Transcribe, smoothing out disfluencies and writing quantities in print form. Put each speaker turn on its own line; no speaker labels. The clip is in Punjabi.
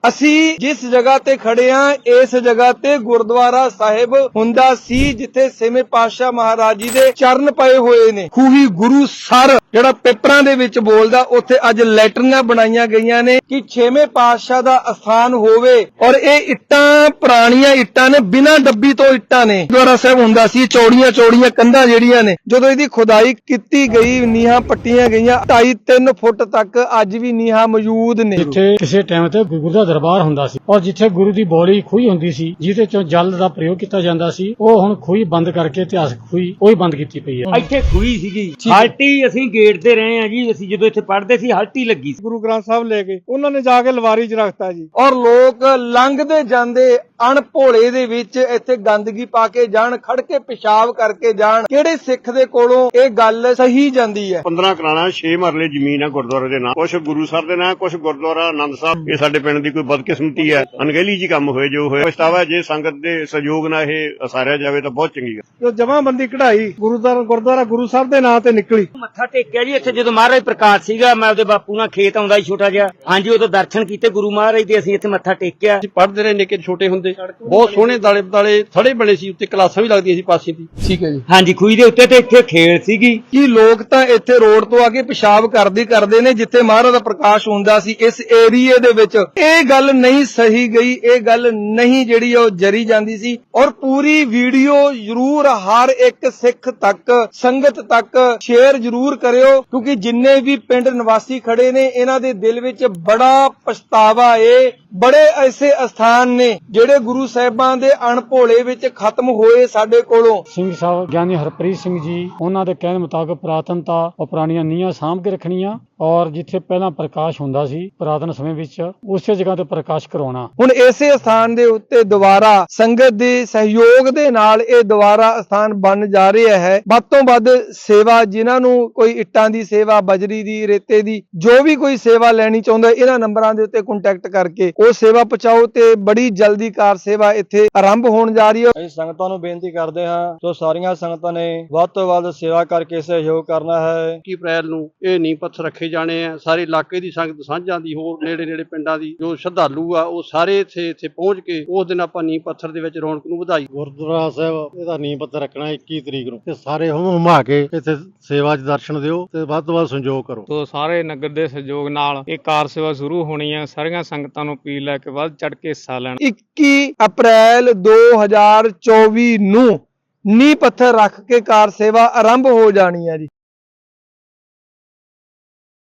ਅਸੀਂ ਜਿਸ ਜਗ੍ਹਾ ਤੇ ਖੜੇ ਆਂ ਇਸ ਜਗ੍ਹਾ ਤੇ ਗੁਰਦੁਆਰਾ ਸਾਹਿਬ ਹੁੰਦਾ ਸੀ ਜਿੱਥੇ ਛੇਵੇਂ ਪਾਤਸ਼ਾਹ ਮਹਾਰਾਜ ਜੀ ਦੇ ਚਰਨ ਪਏ ਹੋਏ ਨੇ। ਖੂਹੀ ਗੁਰੂ ਸਰ ਜਿਹੜਾ ਪੇਪਰਾਂ ਦੇ ਵਿੱਚ ਬੋਲਦਾ, ਉੱਥੇ ਅੱਜ ਲੈਟਰੀਆਂ ਬਣਾਈਆਂ ਗਈਆਂ ਨੇ ਕਿ ਛੇਵੇਂ ਪਾਤਸ਼ਾਹ ਦਾ ਅਸਥਾਨ ਹੋਵੇ। ਔਰ ਇਹ ਇੱਟਾਂ ਪੁਰਾਣੀਆਂ ਇੱਟਾਂ ਨੇ, ਬਿਨਾਂ ਡੱਬੀ ਤੋਂ ਇੱਟਾਂ ਨੇ। ਗੁਰਦੁਆਰਾ ਸਾਹਿਬ ਹੁੰਦਾ ਸੀ, ਚੌੜੀਆਂ ਚੌੜੀਆਂ ਕੰਧਾਂ ਜਿਹੜੀਆਂ ਨੇ, ਜਦੋਂ ਇਹਦੀ ਖੁਦਾਈ ਕੀਤੀ ਗਈ, ਨੀਹਾਂ ਪੱਟੀਆਂ ਗਈਆਂ, 2.5-3 ਫੁੱਟ ਤੱਕ ਅੱਜ ਵੀ ਨੀਹਾਂ ਮੌਜੂਦ ਨੇ।
ਜਿੱਥੇ ਕਿਸੇ ਟਾਈਮ ਤੇ ਗੁਰੂ ਦਾ ਦਰਬਾਰ ਹੁੰਦਾ ਸੀ ਔਰ ਜਿੱਥੇ ਗੁਰੂ ਦੀ ਬੋਲੀ ਖੂਹੀ ਹੁੰਦੀ ਸੀ ਜਿਹਦੇ ਚੋਂ ਜਲ ਦਾ ਪ੍ਰਯੋਗ ਕੀਤਾ ਜਾਂਦਾ ਸੀ, ਉਹ ਹੁਣ ਖੂਹੀ ਬੰਦ ਕਰਕੇ ਇਤਿਹਾਸਕ ਖੂਹੀ ਉਹ ਹੀ ਬੰਦ ਕੀਤੀ ਪਈ ਹੈ।
ਇੱਥੇ ਖੂਹੀ ਸੀਗੀ, ਹਲਟੀ ਅਸੀਂ ਗੇਟ ਤੇ ਰਹੇ ਆ ਜੀ। ਅਸੀਂ ਜਦੋਂ ਇੱਥੇ ਪੜ੍ਹਦੇ ਸੀ ਹਲਟੀ ਲੱਗੀ ਸੀ।
ਗੁਰੂ ਗ੍ਰੰਥ ਸਾਹਿਬ ਲੈ ਕੇ ਉਹਨਾਂ ਨੇ ਜਾ ਕੇ ਲਵਾਰੀ 'ਚ ਰੱਖਤਾ ਜੀ।
ਔਰ ਲੋਕ ਲੰਘਦੇ ਜਾਂਦੇ ਅਣਭੋਲੇ ਦੇ ਵਿੱਚ ਇੱਥੇ ਗੰਦਗੀ ਪਾ ਕੇ ਜਾਣ, ਖੜ ਕੇ ਪਿਸ਼ਾਬ ਕਰਕੇ ਜਾਣ। ਕਿਹੜੇ ਸਿੱਖ ਦੇ ਕੋਲੋਂ ਇਹ ਗੱਲ ਸਹੀ ਜਾਂਦੀ ਹੈ?
15 ਕਨਾਲਾਂ 6 ਮਰਲੇ ਜ਼ਮੀਨ ਆ ਗੁਰਦੁਆਰੇ ਦੇ ਨਾਂ, ਕੁਛ ਗੁਰੂ ਸਾਹਿਬ ਦੇ ਨਾਂ, ਕੁਛ ਗੁਰਦੁਆਰਾ ਆਨੰਦ ਸਾਹਿਬ। ਇਹ ਸਾਡੇ ਪਿੰਡ ਦੀ ਕੋਈ ਬਦਕਿਸਮਤੀ ਹੈ, ਅਣਗਹਿਲੀ ਜੀ ਕੰਮ ਹੋਏ ਜੋ ਹੋਇਆ। ਪਛਤਾਵਾ ਜੇ ਸੰਗਤ ਦੇ ਸਹਿਯੋਗ ਨਾਲ ਇਹ ਉਸਾਰਿਆ ਜਾਵੇ ਤਾਂ ਬਹੁਤ ਚੰਗੀ ਗੱਲ।
ਜੋ ਜਮਾਬੰਦੀ ਕਢਾਈ ਗੁਰਦੁਆਰਾ ਗੁਰੂ ਸਾਹਿਬ ਦੇ ਨਾਂ ਤੇ ਨਿਕਲੀ।
ਮੱਥਾ ਟੇਕਿਆ ਜੀ ਇੱਥੇ ਜਦੋਂ ਮਹਾਰਾਜ ਪ੍ਰਕਾਸ਼ ਸੀਗਾ। ਮੈਂ ਉਹਦੇ ਬਾਪੂ ਨਾਲ ਖੇਤ ਆਉਂਦਾ ਸੀ ਛੋਟਾ ਜਿਹਾ, ਹਾਂਜੀ ਉਦੋਂ ਦਰਸ਼ਨ ਕੀਤੇ ਗੁਰੂ ਮਹਾਰਾਜ ਦੇ। ਅਸੀਂ ਇੱਥੇ ਮੱਥਾ ਟੇਕਿਆ।
ਅਸੀਂ ਪੜ੍ਹਦੇ ਰਹੇ ਨਿੱਕੇ ਛੋਟੇ ਹੁੰਦੇ, ਬਹੁਤ ਸੋਹਣੇ ਦਾਲੇ ਬਦਾਲੇ ਥੜੇ ਬਣੇ ਸੀ, ਉੱਤੇ ਕਲਾਸਾਂ ਵੀ ਲੱਗਦੀਆਂ ਸੀ ਪਾਸੇ ਦੀ।
ਠੀਕ ਹੈ ਜੀ।
ਹਾਂਜੀ ਖੂਹੀ ਦੇ ਉੱਤੇ ਤੇ ਇੱਥੇ ਖੇਲ ਸੀਗੀ।
ਕੀ ਲੋਕ ਤਾਂ ਇੱਥੇ ਰੋਡ ਤੋਂ ਆ ਕੇ ਪਿਸ਼ਾਬ ਕਰਦੇ ਨੇ ਜਿੱਥੇ ਮਹਾਰਾਜ ਦਾ ਪ੍ਰਕਾਸ਼ ਹੁੰਦਾ ਸੀ ਇਸ ਏਰੀਏ ਦੇ ਵਿੱਚ। ਇਹ ਗੱਲ ਨਹੀਂ ਸਹੀ ਗਈ, ਇਹ ਗੱਲ ਨਹੀਂ ਜਿਹੜੀ ਉਹ ਜਰੀ ਜਾਂਦੀ ਸੀ। ਔਰ ਪੂਰੀ ਵੀਡੀਓ ਜ਼ਰੂਰ ਹਰ ਇੱਕ ਸਿੱਖ ਤੱਕ, ਸੰਗਤ ਤੱਕ ਸ਼ੇਅਰ ਜ਼ਰੂਰ ਕਰਿਓ, ਕਿਉਂਕਿ ਜਿੰਨੇ ਵੀ ਪਿੰਡ ਨਿਵਾਸੀ ਖੜੇ ਨੇ ਇਹਨਾਂ ਦੇ ਦਿਲ ਵਿੱਚ ਬੜਾ ਪਛਤਾਵਾ ਏ। ਬੜੇ ਐਸੇ ਅਸਥਾਨ ਨੇ ਜਿਹੜੇ ਗੁਰੂ ਸਾਹਿਬਾਂ ਦੇ ਅਣਭੋਲੇ ਵਿੱਚ ਖਤਮ ਹੋਏ ਸਾਡੇ ਕੋਲੋਂ।
ਸਿੰਘ ਸਾਹਿਬ ਗਿਆਨੀ ਹਰਪ੍ਰੀਤ ਸਿੰਘ ਜੀ, ਉਹਨਾਂ ਦੇ ਕਹਿਣ ਮੁਤਾਬਕ ਪੁਰਾਤਨਤਾ ਔਰ ਪੁਰਾਣੀਆਂ ਨੀਹਾਂ ਸਾਂਭ ਕੇ ਰੱਖਣੀਆਂ ਔਰ ਜਿੱਥੇ ਪਹਿਲਾਂ ਪ੍ਰਕਾਸ਼ ਹੁੰਦਾ ਸੀ ਪੁਰਾਤਨ ਸਮੇਂ ਵਿੱਚ, ਉਸੇ ਜਗ੍ਹਾ ਤੇ ਪ੍ਰਕਾਸ਼ ਕਰਵਾਉਣਾ।
ਹੁਣ ਇਸੇ ਸਥਾਨ ਦੇ ਉੱਤੇ ਦੁਬਾਰਾ ਸੰਗਤ ਦੇ ਸਹਿਯੋਗ ਦੇ ਨਾਲ ਇਹ ਦੁਬਾਰਾ ਸਥਾਨ ਬਣ ਜਾ ਰਿਹਾ ਹੈ। ਵੱਧ ਤੋਂ ਵੱਧ ਸੇਵਾ, ਜਿਨ੍ਹਾਂ ਨੂੰ ਕੋਈ ਇੱਟਾਂ ਦੀ ਸੇਵਾ, ਬਜਰੀ ਦੀ, ਰੇਤੇ ਦੀ, ਜੋ ਵੀ ਕੋਈ ਸੇਵਾ ਲੈਣੀ ਚਾਹੁੰਦਾ, ਇਹਨਾਂ ਨੰਬਰਾਂ ਦੇ ਉੱਤੇ ਕੰਟੈਕਟ ਕਰਕੇ ਉਹ ਸੇਵਾ ਪਹੁੰਚਾਓ ਤੇ ਬੜੀ ਜਲਦੀ ਕਾਰ ਸੇਵਾ ਇੱਥੇ ਆਰੰਭ ਹੋਣ ਜਾ ਰਹੀ ਹੈ।
ਅਸੀਂ ਸੰਗਤਾਂ ਨੂੰ ਬੇਨਤੀ ਕਰਦੇ ਹਾਂ ਜੋ ਸਾਰੀਆਂ ਸੰਗਤਾਂ ਨੇ ਵੱਧ ਤੋਂ ਵੱਧ ਸੇਵਾ ਕਰਕੇ ਸਹਿਯੋਗ ਕਰਨਾ ਹੈ।
21 ਅਪ੍ਰੈਲ ਨੂੰ ਇਹ ਨੀਂਹ ਪੱਥਰ ਰੱਖੇ ਜਾਣੇ ਆ। ਸਾਰੇ ਇਲਾਕੇ ਦੀ ਸੰਗਤ ਸਾਂਝਾਂ ਦੀ, ਹੋਰ ਨੇੜੇ ਪਿੰਡਾਂ ਦੀ ਜੋ ਸ਼ਰਧਾਲੂ ਆ ਉਹ ਸਾਰੇ ਇੱਥੇ ਪਹੁੰਚ ਕੇ ਉਸ ਦਿਨ ਆਪਾਂ ਨੀਂਹ ਪੱਥਰ ਦੇ ਵਿੱਚ ਰੌਣਕ ਨੂੰ ਵਧਾਈ।
ਗੁਰਦੁਆਰਾ ਸਾਹਿਬ ਇਹਦਾ ਨੀਂਹ ਪੱਥਰ ਰੱਖਣਾ 21 ਤਰੀਕ ਨੂੰ, ਤੇ ਸਾਰੇ ਹੁਮਾ ਕੇ ਇੱਥੇ ਸੇਵਾ 'ਚ ਦਰਸ਼ਨ ਦਿਓ ਤੇ ਵੱਧ ਤੋਂ ਵੱਧ ਸੰਯੋਗ ਕਰੋ।
ਤੋਂ ਸਾਰੇ ਨਗਰ ਦੇ ਸਹਿਯੋਗ ਨਾਲ ਇਹ ਕਾਰ ਸੇਵਾ ਸ਼ੁਰੂ ਹੋਣੀ ਹੈ। ਸਾਰੀਆਂ ਸੰਗਤਾਂ ਨੂੰ ਅਪੀਲ ਹੈ ਕਿ ਵੱਧ ਚੜ ਕੇ ਹਿੱਸਾ ਲੈਣ।
21 ਅਪ੍ਰੈਲ 2024 ਨੂੰ ਨੀਂਹ ਪੱਥਰ ਰੱਖ ਕੇ ਕਾਰ ਸੇਵਾ ਆਰੰਭ ਹੋ ਜਾਣੀ ਹੈ ਜੀ।